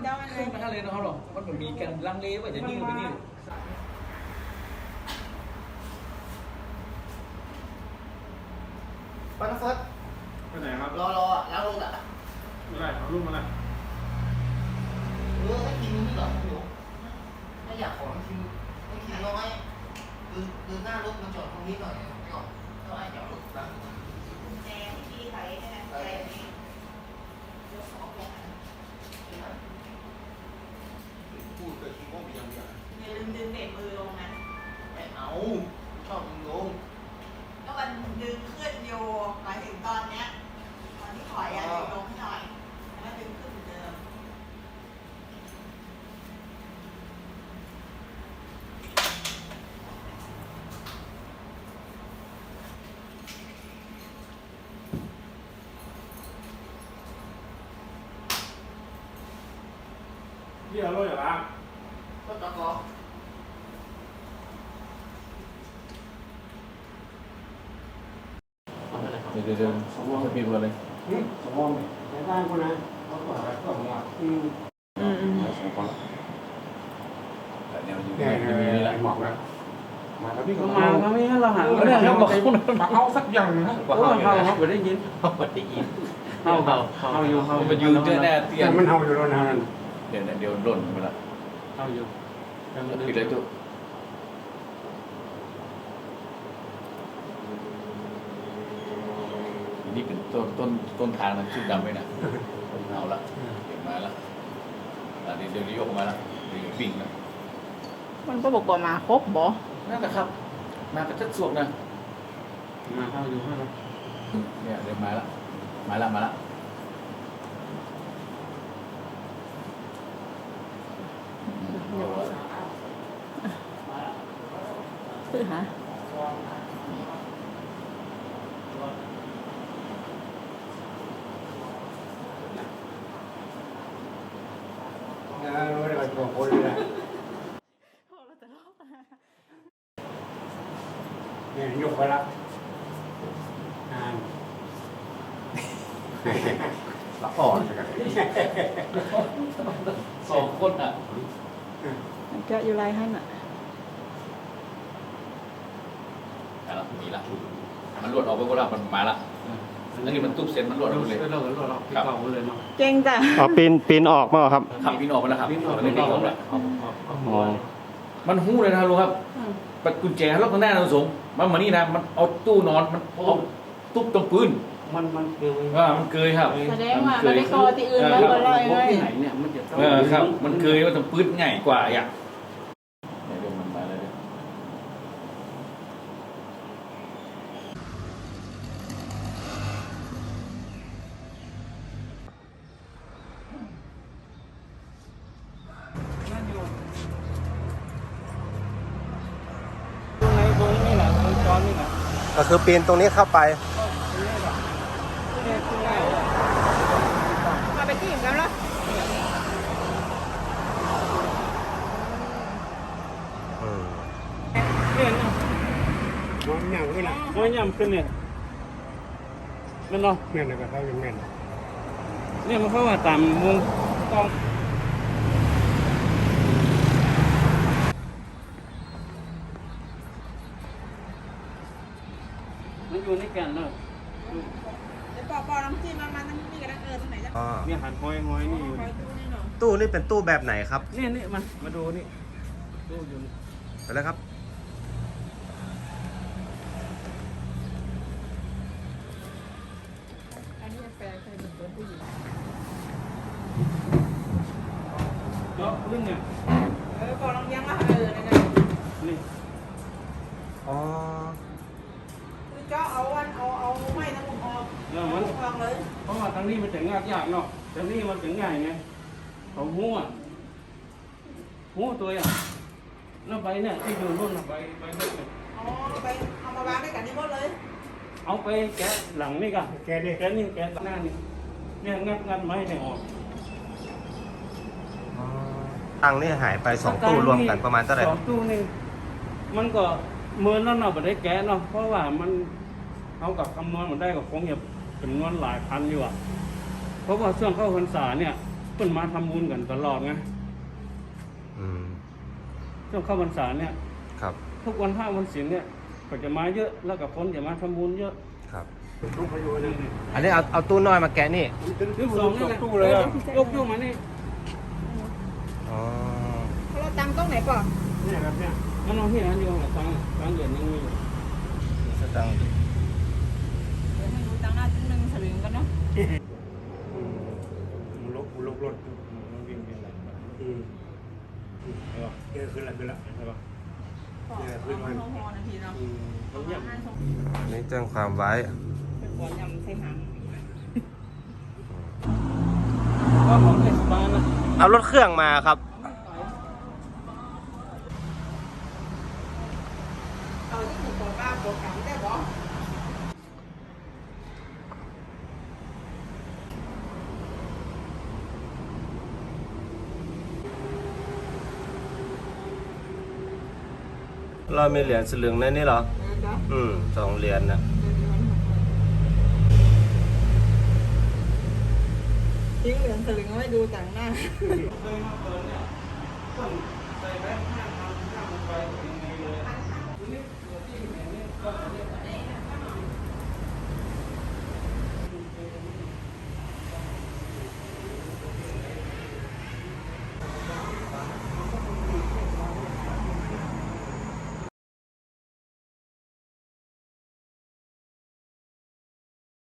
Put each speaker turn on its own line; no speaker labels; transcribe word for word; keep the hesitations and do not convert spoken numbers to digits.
เจ้าอันไหน
ขึ้นมาเลยนะครับหรอมันแบบมีการลังเลว่าจะยืดไปนี่
ไปนะเฟิร์ส
ไปไหนครับ
รอรอล้างรถอ่ะ
อะไรเอารูปมาเลย
เออให้กินนี่เหรอหนูไม่อยากขอกินให้กินน้อยคือคือหน้ารถมันจอดตรงนี้หน่อยก่อนแล้วไอ้จอดรถนะ
แจที่พี่ไถใช่ไหมแจนี่ยกของลง
พูดเกิดคิดว่ามีอย่างเดียว
อย่าลืมดึงเบรกมือลงนะ
ไม่เอาชอบยิงลง
ก็มันดึงขึ้นโยหมายถึงตอนเนี้ยตอนที่ถอยอะดึงลงให้หน่อยแล้วดึงขึ้นเหมือนเดิม
พี่เอารถอย่าล้าง
ก็ตะกอ
เดี๋ยวเดี๋ยวเดี๋ยวจะมีเบอร์เลย
สมองในบ้านกูนะเขาบอกอะไรก็บอกว่าอืม
อืมอืมสองคนละแต่เนี่ยมันอยู่
เนี่ย
ในนี้แหละ
บอกแล้วมาแล้วพี่ก็
มาเขาไม่ให้เราหาไม่ได้เขาบอก
มาเอาสักอย่างนะ
เขาเขาเขาไม่ได้ยิน
เขาไม่ได้ยิน
เขาเขาเขาอยู่เขา
มันอยู่เจอแน่เตี้ย
แต่มันเอาอยู่แล้วนะ
เดี๋ยวเดี๋ยวหล่นไปละ
เขาอยู่
ปิดเลยตุ๊นี่เป็นต้นต้นต้นทางนะชุดดำไว้นะเอาละเก็บมาละเดี๋ยวเดี๋ยวยกมาละเดี๋ยววิ่งละ
มันก็บอกว่ามาครบบ่
นั่นแหละครับ มากระชัดสวกนะ
มาเขาอยู่ให้เรา
เนี่ยเดี๋ยวมาละมาละมาละ
คือหา
นะรู้ได้ก็โวยเลยเนี่ยยกไปละอ่าน
ละอ่อนสองคนอ่ะ
มันก็อยู่ไรให้น่ะ
แต่ละมีละมันหลุดออกไปก็ได้มันมาละอันนี้มันตุ๊บเซ็นมันหลุดออกไปเลย
เราเราเราพี่เก่าเลยเนาะ
เก่งจ้ะ
อ๋อปีนปีนออกมาเหรอครับ
ขับพินออกมาแล้วครับ
พี่ออก
มัน
ไม่
ไม่
เก่า
ออก
เล
แล้
ยว เอาเอา
อ๋อ
มันหู้เลยนะครับลุงครับปัดกุญแจล็อกข้างหน้าเราสงมันมานี่นะมันเอาตู้นอนมันเอาตุ๊บตรงปืน
มันมันเกลือ
ว่ามันเกยครับ
แสดงว่ามันได้กอที่อื่นมันก็ลอยไง
ที่ไหนเนี่ยมันจะ
เออครับ มันเกยว่าตรงปืนง่ายกว่าอย่างเดี๋ยวมันมาเลย
ตรงไหนตรงนี้นะตรงจอนี่นะ
ก็คือปีนตรงนี้เข้าไป
มาไปที่อิ่มแล้วเหรอ
อืม
เนี่ยนะ
มันยังไม่ละ
มันย่ำขึ้นเนี่ยมันเนาะ
แม่นก็เท่ายังแม่น
เนี่ยมันเข้าว่าตามวงกองมันอยู่ในกันเนาะ
เดี๋ยวปอปอน้ำจิ้มมามันน้ำจิ้มกันเออตรงไหนจะ
อ๋อ
เนี่ยหันห้อยห้อยนี่อยู่
คอยดูนี่หน่อย
ตู้นี่เป็นตู้แบบไหนครับ
นี่นี่มันมาดูนี่ดูอยู่นี่
ไปแล้วครับ
อันนี้แฟนเคยเป็นผู้หญิง
เจาะลึกเนี่ย
เออปอลองยังว่าเออนั่นน่ะ
นี่
อ๋อ
คือเจาะเอาวันเอาเอาไม้ทั้งหมดออก
แล้วมัน
ออกเลย
เพราะว่าทางนี้มันจะงากยากเนาะทางนี้มันจะง่ายไงเขาหัวหัวตัวอ่ะแล้วใบเนี่ยที่อยู่รุ่นน่ะใบใบเล็กเนี่ย
เอาไปเอามาวางด้วยกันนี่หมดเลย
เอาไปแกะหลังนี่กัน
แกดิ
แกะนี่แกะหน้านี่เนี่ยงัดงัดไม้เนี่ยออก
ตังค์นี่หายไปสองตู้รวมกันประมาณเท่าไหร่
ส
ค
อ
รั
ง
บ
ตู้นี่มันก็เมินแล้วเนาะไม่ได้แกะเนาะเพราะว่ามันเอากับคำนวณมันได้ก็คงจะจำนวนหลายพันอยู่อ่ะเพราะว่าช่วงเข้าพรรษาเนี่ยเพิ่นมาทำบุญกันตลอดไง
อืม
ช่วงเข้าพรรษาเนี่ย
ครับ
ทุกวันพระวันศีลเนี่ยก็จะมาเยอะแล้วกับคนจะมาทำบุญเยอะ
ครับ
ต้องพยุง
อันนี้เอาเอาตู้น้อยมาแกะนี่
ยกสองนี่แหละ
ตู้เลยอ่ะ
ยกยกมานี่
อ๋อ
เราตังตรงไหนป่ะ
เนี่ยครับเนี่ย
มันเอาที่ร้านเดียวกับตังค์ตังค์เดือนยังมีอยู่
สตังค์
ไม่รู้ตังหน้าหนึ่งสลึงกันเนาะ
มันลบมันลบรถ
มันวิ่งวิ่งไหลมา
อืม
ใช่ป่ะ
เออขึ้นละขึ้นละ
ใช่ป่ะ
เนี่ยขึ้นมา
พอนาทีเนาะ
อืม
มันเยี่ยม
อันนี้แจ้งความไว้
เป็นบอลยำใส่หาง
ก็ของเทศบาลนะ
เอารถเครื่องมาครับ
เอาที่หนึ่งตัวก้าตัวกลางได้บ่
เรามีเหรียญสลึงในนี่เหรอ อืมสองเหรียญนะ
ทิ้งเหลืองสลึงไม่ดูต่างหน้า
เคยมาเปิดเนี่ยคนใส่แบงค์ห้าพันห้าพันไป